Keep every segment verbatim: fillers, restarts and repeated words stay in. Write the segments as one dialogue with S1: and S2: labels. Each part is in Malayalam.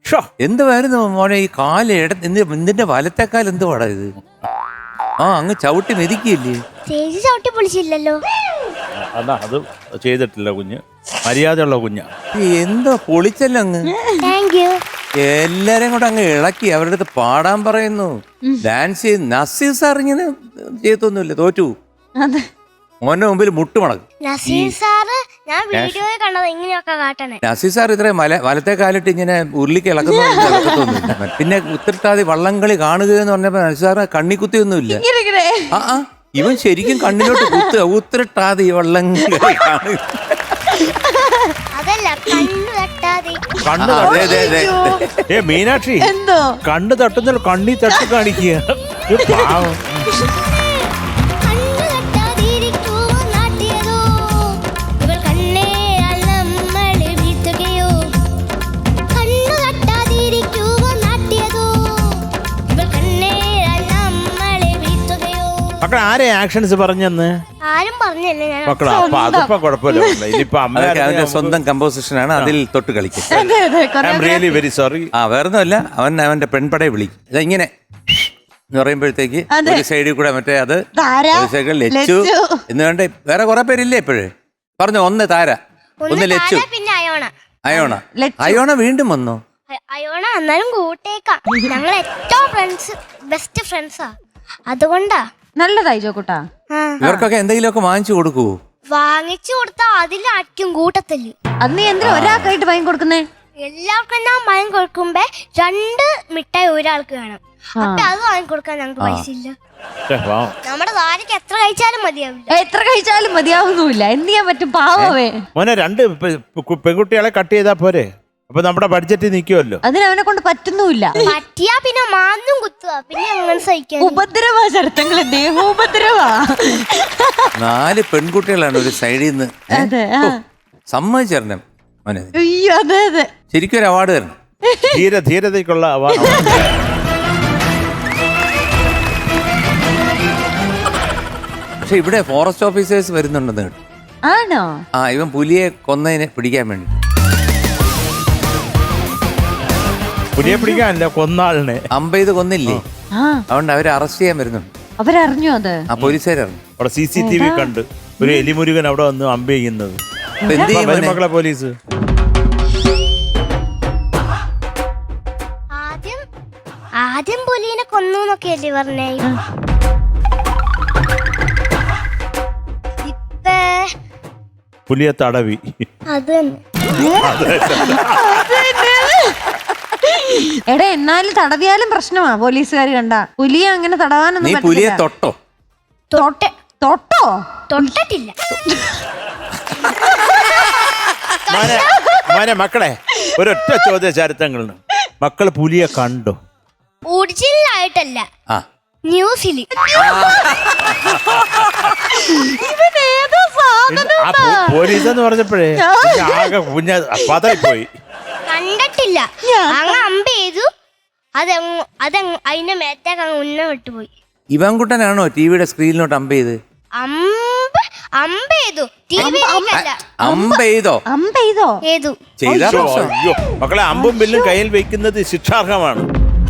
S1: എന്തുവായിരുന്നു മോനെ ഈ കാല് ഇട നിന്റെ വലത്തേക്കാൽ എന്തുവാടാ ഇത്? ആ അങ്ങ് ചവിട്ടി മെതിക്കില്ലേ?
S2: ചേച്ചി ചവിട്ടി പൊളിച്ചില്ലല്ലോ.
S3: അതാ അത് ചെയ്തിട്ടില്ല കുഞ്ഞ്, മര്യാദയുള്ള കുഞ്ഞ.
S1: എന്തോ പൊളിച്ചല്ലോ അങ്ങ്.
S2: Thank you.
S1: എല്ലാരെയും കൂടെ അങ്ങ് ഇളക്കി അവരുടെ അടുത്ത് പാടാൻ പറയുന്നു, ഡാൻസ് ചെയ്ത്. നസീർ സാർ ഇങ്ങനെ ചെയ്തൊന്നുമില്ല, തോറ്റു. മോന്റെ മുമ്പിൽ മുട്ടുമടക്കും.
S2: നസീർ സാറ് ഞാൻ വീഡിയോയിൽ കണ്ടത് ഇങ്ങനെയൊക്കെ കാട്ടണേ.
S1: നസീർ സാർ ഇത്ര മല വലത്തെ കാലിട്ട് ഇങ്ങനെ ഉരുളിക്ക് ഇളക്കുന്നൊന്നുമില്ല. പിന്നെ ഉത്തരട്ടാതി വള്ളംകളി കാണുക എന്ന് പറഞ്ഞപ്പോ നസീർ സാറ് കണ്ണിക്കുത്തിയൊന്നുമില്ല. ആ ആ ഇവൻ ശരിക്കും കണ്ണിലോട്ട് കുത്തുക. ഉത്തരട്ടാതി വള്ളംകളി കാണുക.
S2: അതല്ല കണ്ണു തട്ടാതെ.
S3: ഏ മീനാക്ഷി, കണ്ണ് തട്ടുന്ന കണ്ണി തട്ടി കാണിക്കുക. മക്കളെ ആരെ ആക്ഷൻസ് പറഞ്ഞെന്ന്
S2: ആരും പറഞ്ഞല്ലേ?
S3: മക്കളെ അപ്പൊ അതിപ്പോ കുഴപ്പമില്ല. ഇനിയിപ്പോ
S1: അവന്റെ സ്വന്തം കമ്പോസിഷനാണ്, അതിൽ തൊട്ട് കളിക്കും.
S3: Really very sorry.
S1: ആ വേറൊന്നുമല്ല, അവൻ അവന്റെ പെൺപടയെ വിളിക്കും. ഇങ്ങനെ എന്ന് പറയുമ്പോഴത്തേക്ക് ഒരു സൈഡിൽ കൂടെ മറ്റേ അത് ലച്ചു എന്ന് വേണ്ട വേറെ കുറെ പേരില്ലേ ഇപ്പോഴേ. പറഞ്ഞു ഒന്ന് താര, ഒന്ന് ലച്ചു,
S2: പിന്നെ അയോണ.
S1: അയോണ അയോണ വീണ്ടും വന്നോ?
S2: അയോണ എന്നാലും കൂട്ടേക്കാം. ഞങ്ങൾ ഏറ്റവും ഫ്രണ്ട്സ്, ബെസ്റ്റ് ഫ്രണ്ട്സാ. അതുകൊണ്ടാ
S4: നല്ലതായി ചോക്കൂട്ടാ.
S1: ഇവർക്കൊക്കെ എന്തെങ്കിലുമൊക്കെ വാങ്ങിച്ചു കൊടുക്കൂ.
S2: വാങ്ങിച്ചു കൊടുത്താ അതിലായിരിക്കും കൂട്ടത്തില്.
S4: അന്ന് എന്തിനാ ഒരാൾക്കായിട്ട് വാങ്ങി കൊടുക്കുന്നേ?
S2: എല്ലാവർക്കും ഞാൻ വാങ്ങി കൊടുക്കുമ്പോ രണ്ട് മിഠായി ഒരാൾക്ക് വേണം. അപ്പൊ അത് വാങ്ങിക്കൊടുക്കാൻ ഞങ്ങൾക്ക് പൈസ ഇല്ല. നമ്മുടെ താരക്ക് എത്ര കഴിച്ചാലും മതിയാവില്ല.
S4: എത്ര കഴിച്ചാലും മതിയാവുന്നില്ല. എന്ത് ചെയ്യാൻ പറ്റും? പാവമേ.
S3: മോനെ രണ്ട് പെൺകുട്ടികളെ കട്ട് ചെയ്താ പോരെ? അപ്പൊ നമ്മുടെ ബഡ്ജറ്റ് നിൽക്കുമല്ലോ.
S4: അതിന് അവനെ കൊണ്ട് പറ്റുന്നുമില്ല.
S2: പറ്റിയാ പിന്നെ മാന്നും കുത്തുക, പിന്നെ അങ്ങനെ സഹിക്കാൻ.
S4: ഉപദ്രവ ശരത്തങ്ങളെ, ദേഹോപദ്രവാ.
S1: നാല് പെൺകുട്ടികളാണ് ഒരു സൈഡിൽ നിന്ന്. സമ്മതിച്ചേരണം മോനെ.
S4: അയ്യോ അതെ അതെ,
S1: ശരിക്കും ഒരു അവാർഡ് തരണം.
S3: ധീര ധീരതയ്ക്കുള്ള അവാർഡ്.
S1: പക്ഷെ ഇവിടെ ഫോറസ്റ്റ് ഓഫീസേഴ്സ് വരുന്നുണ്ടെന്ന് കേട്ടു.
S4: ആണോ?
S1: ആ ഇവൻ പുലിയെ കൊന്നതിനെ പിടിക്കാൻ വേണ്ടി.
S3: പുലിയെ പിടിക്കാനല്ല, കൊന്നാളിനെ
S1: അമ്പെയ്ത് കൊന്നില്ലേ, അതുകൊണ്ട് അവരെ അറസ്റ്റ് ചെയ്യാൻ വരുന്നുണ്ട്.
S4: അവരറിഞ്ഞു അത്?
S1: ആ പോലീസുകാരറിഞ്ഞു.
S3: അവിടെ സി സി ടി വി കണ്ട് ഒരു എലിമുരുകൻ അവിടെ വന്ന് അമ്പ ചെയ്യുന്നത്. മക്കളെ പോലീസ്
S2: ആദ്യം ആദ്യം പുലിനെ കൊന്നു എന്നൊക്കെയല്ലേ പറഞ്ഞേ. ഇപ്പേ
S3: പുലിയെ തടവി.
S2: അത്
S4: എടാ എന്നാലും തടവിയാലും പ്രശ്നമാ പോലീസുകാർ കണ്ട. പുലിയെ അങ്ങനെ തടവാനൊന്നും.
S1: നീ പുലിയെ തൊട്ടോ?
S2: തൊട്ടെ
S4: തൊട്ടോ?
S2: തൊട്ടിട്ടില്ല.
S3: മോനെ മക്കളെ ഒരൊറ്റ ചോദ്യ ചരിത്രങ്ങളുണ്ട്. മക്കള് പുലിയെ കണ്ടോ?
S2: ഒറിജിനലായിട്ടല്ല, ന്യൂസിൽ.
S3: പോലീസ് എന്ന് പറഞ്ഞപ്പോഴേ ആകെ കുഞ്ഞ പതറിപ്പോയി.
S2: കണ്ടിട്ടില്ല. അങ്ങ് അമ്പ ചെയ്തു, അതങ്ങ് അതങ്ങ് അതിന്റെ മേത്തേക്ക് അങ്ങ് ഉന്ന വിട്ടുപോയി.
S1: ഇവൻകുട്ടനാണോ ടിവിയുടെ സ്ക്രീനിലോട്ട് അമ്പ ചെയ്ത്?
S2: അമ്പ് അമ്പ ചെയ്തു, ടിവിയിലേക്കല്ല.
S1: അമ്പ ചെയ്തോ?
S4: അമ്പ ചെയ്തോ?
S2: ഏതു
S3: അയ്യോ മക്കളെ, അമ്പും ബില്ലും കയ്യിൽ വെക്കുന്നത് ശിക്ഷാർഹമാണ്.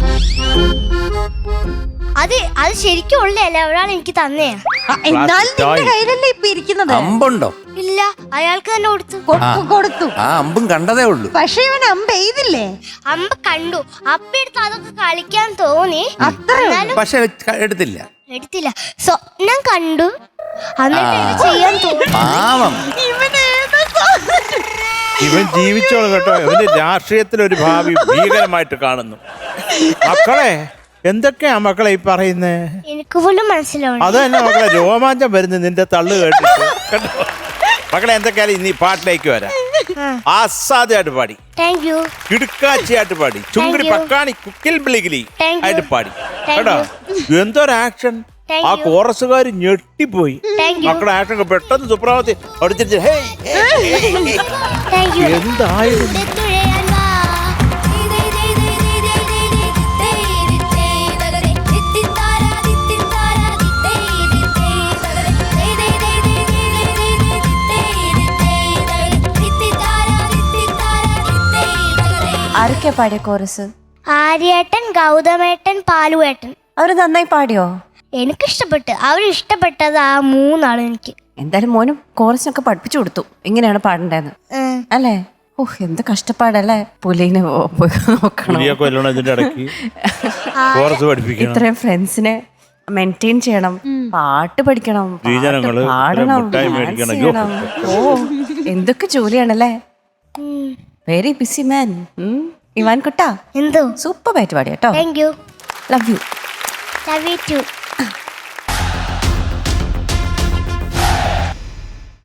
S2: അത് അത് ശരിക്കും ഉള്ളതല്ല, ഒരാൾ എനിക്ക് തന്നെയാ.
S4: കയ്യിലല്ലേ ഇപ്പൊ ഇരിക്കുന്നത്?
S1: അമ്പുണ്ടോ?
S2: ഇല്ല, അയാൾക്ക് തന്നെ കൊടുത്തു.
S4: കൊടുത്തു.
S1: ആ അമ്പും കണ്ടതേ ഉള്ളൂ.
S4: പക്ഷെ ഇവൻ അമ്പ ചെയ്തില്ലേ?
S2: അമ്പ് കണ്ടു, അപ്പ എടുത്ത് അതൊക്കെ കളിക്കാൻ തോന്നി.
S1: പക്ഷെ എടുത്തില്ല,
S2: എടുത്തില്ല. സ്വപ്നം കണ്ടു, എന്നിട്ട് ചെയ്യാൻ തോന്നി.
S1: പാവം
S3: ഇവൻ ജീവിച്ചോളും കേട്ടോ. ഇവന്റെ രാഷ്ട്രീയത്തിൽ ഒരു ഭാവി ഭീകരമായിട്ട് കാണുന്നു. മക്കളെ എന്തൊക്കെയാ മക്കളെ ഈ പറയുന്നേ?
S2: എനിക്ക് പോലും മനസ്സിലാവും.
S3: അത് തന്നെ മക്കളെ, രോമാഞ്ചം വരുന്നു നിന്റെ തള്ളു കേട്ടിട്ട് കേട്ടോ. മക്കളെ എന്തൊക്കെയാലും ഇനി പാട്ടിലേക്ക് വരാം. ആസാദായിട്ട് പാടി, കിടുക്കാച്ചിയായിട്ട് പാടി, ചുങ്കിടി പക്കാണി കുക്കിൽ ബിളിഗിലി ആയിട്ട് പാടി കേട്ടോ. എന്തൊരു ആക്ഷൻ! ആ കോറസുകാര് ഞെട്ടിപ്പോയി. മക്കളുടെ ആക്ഷൻ പെട്ടെന്ന് സുപ്രഭാതത്തിൽ അടിച്ചിട്ട് എന്തായിരുന്നു?
S4: ആരൊക്കെ
S5: ആരൊക്കെയാ പാടിയ കോറസ്?
S2: ആര്യേട്ടൻ, ഗൗതമേട്ടൻ, പാലുവേട്ടൻ.
S5: അവര് നന്നായി പാടിയോ?
S2: എനിക്കിഷ്ടപ്പെട്ട്. അവരിഷ്ടപ്പെട്ടത് ആ മൂന്നാളും എനിക്ക്.
S5: എന്തായാലും മോനും കോറസിനൊക്കെ പഠിപ്പിച്ചു കൊടുത്തു ഇങ്ങനെയാണ് പാടേണ്ടതെന്ന്
S2: ഉം.
S5: അല്ലേ? ഓഹ് എന്ത് കഷ്ടപ്പാടല്ലേ. പുലിനെ നോക്കണം,
S3: പുലിയൊക്കെ വല്ലതും ഇതിന്റെ ഇടയ്ക്ക് കോറസ് പഠിപ്പിക്കണം,
S5: ഇത്രയും ഫ്രണ്ട്സിനെ മെയിൻറ്റെയിൻ ചെയ്യണം, പാട്ട് പഠിക്കണം, പാട്ട്
S3: സ്ത്രീജനങ്ങള്
S5: പാടണം,
S3: മുട്ടായി
S5: dance
S3: മേടിക്കണം.
S5: ചെയ്യണം. ഓ എന്തൊക്കെ ജോലിയാണല്ലേ.
S2: ഉം.
S5: Very busy man. ഇവാൻ കുട്ടാ
S2: എന്തോ
S5: സൂപ്പർ ആയിട്ട് പാടി കേട്ടോ.
S2: Thank you.
S5: Love you.
S2: Love you to.